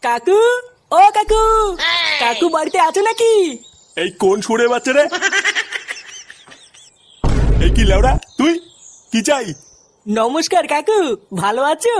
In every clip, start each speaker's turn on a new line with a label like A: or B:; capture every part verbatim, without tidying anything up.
A: কাকু, ও কাকু, কাকু বাড়িতে আছো নাকি?
B: এই কোন সুরে বাচ্চা রে? এই কি লেওড়া তুই? কি চাই?
A: নমস্কার কাকু, ভালো আছো?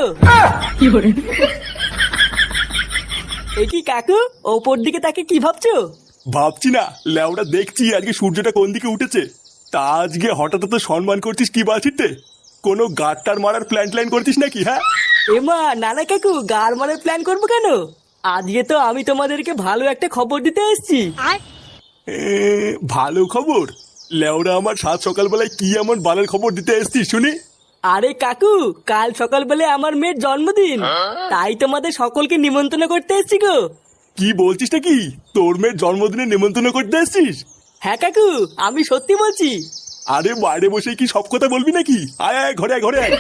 A: এই কি কাকু, ওপর দিকে তাকে কি ভাবছো?
B: ভাবছি না লেওড়া, দেখছি আজকে সূর্যটা কোন দিকে উঠেছে। তা আজকে হঠাৎ তো সম্মান করছিস কি বাছিতে? কোনো গাড়টার মারার প্ল্যান ট্ল্যান করছিস নাকি? হ্যাঁ
A: এমা নানা কাকু, গার মারার প্ল্যান করবো কেন? আজকে তো আমি তোমাদেরকে ভালো একটা খবর দিতে এসেছি।
B: এ, ভালো খবর? লেওড়া, আমার সাত সকালবেলায় কি এমন বালের খবর দিতে এসছিস শুনি?
A: আরে কাকু, কাল সকালবেলায় আমার মেয়ের জন্মদিন, তাই তোমাদের সকলকে নিমন্ত্রণ করতে এসেছি গো।
B: কি বলছিস নাকি? তোর মেয়ের জন্মদিনে নিমন্ত্রণ করতে এসছিস?
A: হ্যাঁ কাকু, আমি সত্যি বলছি।
B: আরে বাইরে বসে কি সব কথা বলবি নাকি? আয় আয়, ঘরে আয়, ঘরে আয়।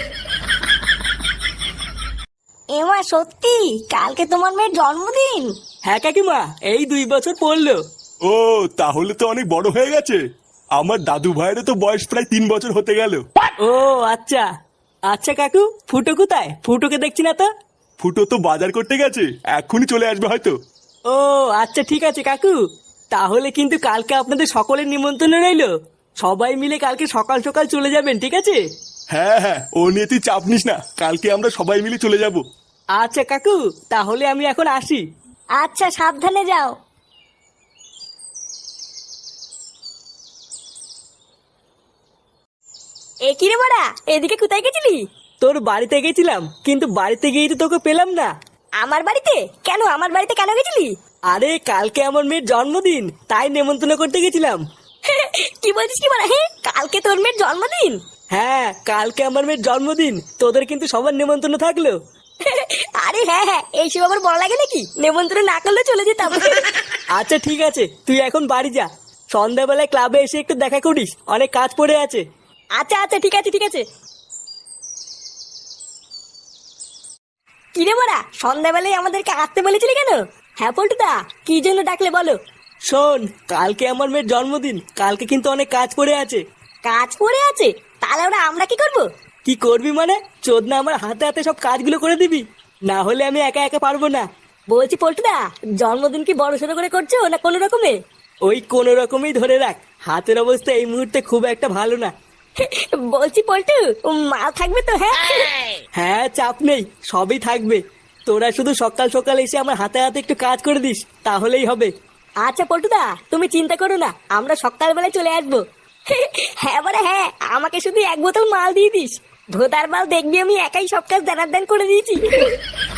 C: এমা সত্যি কালকে তোমার মেয়ের জন্মদিন?
A: হ্যাঁ কাকিমা, এই দুই বছর পড়লো।
B: ও, তাহলে তো অনেক বড় হয়ে গেছে। আমার দাদু ভাইয়েরও তো বয়স প্রায় তিন বছর হতে গেল।
A: ও আচ্ছা। আচ্ছা কাকু, ফুটো কোথায়? ফুটোকে দেখছি না তো।
B: ফুটো তো বাজার করতে গেছে, এক্ষুনি চলে আসবে হয়তো।
A: ও আচ্ছা, ঠিক আছে কাকু, তাহলে কিন্তু কালকে আপনাদের সকলের নিমন্ত্রণ রইলো। সবাই মিলে কালকে সকাল সকাল চলে যাবেন, ঠিক আছে?
B: হ্যাঁ হ্যাঁ, ও নিয়ে তুই চাপ নিস না, কালকে আমরা সবাই মিলে চলে যাব।
A: আচ্ছা কাকু, তাহলে আমি এখন আসি।
C: আচ্ছা, সাবধানে যাও। এ কি রে বড়া, এদিকে কোথায় গেছিলি?
A: তোর বাড়িতে গেছিলাম, কিন্তু বাড়িতে গিয়ে তো তোকে পেলাম না।
C: আমার বাড়িতে? কেন আমার বাড়িতে কেন গেছিলি?
A: আরে কালকে আমার মেয়ের জন্মদিন, তাই নেমন্তন্ন করতে গেছিলাম।
C: কি বলছিস কি বড়া? হ্যাঁ, কালকে তোর মেয়ের জন্মদিন?
A: হ্যাঁ, কালকে আমার মেয়ের জন্মদিন, তোদের কিন্তু সবার নেমন্তন্ন থাকলো।
C: আরে হ্যাঁ হ্যাঁ, এইসব আবার বড় লাগে নাকি? নেমন্ত্রণ না করলে চলে যেতাম।
A: আচ্ছা ঠিক আছে, তুই এখন বাড়ি যা। সন্ধ্যাবেলায় ক্লাবে এসে একটু দেখা করিস, অনেক কাজ পড়ে আছে।
C: আচ্ছা আচ্ছা, ঠিক আছে ঠিক আছে। কিরে বড়া, সন্ধ্যাবেলায় আমাদেরকে আসতে বলেছিলি কেন? হ্যাঁ পল্টুদা, কি জন্য ডাকলে বলো?
A: শোন, কালকে আমার মেয়ের জন্মদিন, কালকে কিন্তু অনেক কাজ পড়ে আছে।
C: কাজ পড়ে আছে? তাহলে ওরা আমরা কি করবো?
A: কি করবি মানে? চোদনা আমার হাতে হাতে সব কাজগুলো করে দিবি, না হলে আমি একা একা পারবো না।
C: বলছি পল্টুদা, জন্মদিন কি বড় সড়ো করে করছো না কোনো রকমে?
A: ওই কোনো রকমই ধরে রাখ, হাতের অবস্থা এই মুহূর্তে খুব একটা ভালো না।
C: বলছি পল্টু, মাল থাকবে তো? হ্যাঁ
A: হ্যাঁ, চাপ নেই, সবই থাকবে। তোরা শুধু সকাল সকাল এসে আমার হাতে হাতে একটু কাজ করে দিস, তাহলেই হবে।
C: আচ্ছা পল্টুদা, তুমি চিন্তা করো না, আমরা সকালবেলায় চলে আসবো। হ্যাঁ বলে হ্যাঁ, আমাকে শুধু এক বোতল মাল দিয়ে দিস। ভোদার মাল দেখবি আমি একাই সব কাজ দানার দান করে দিয়েছি।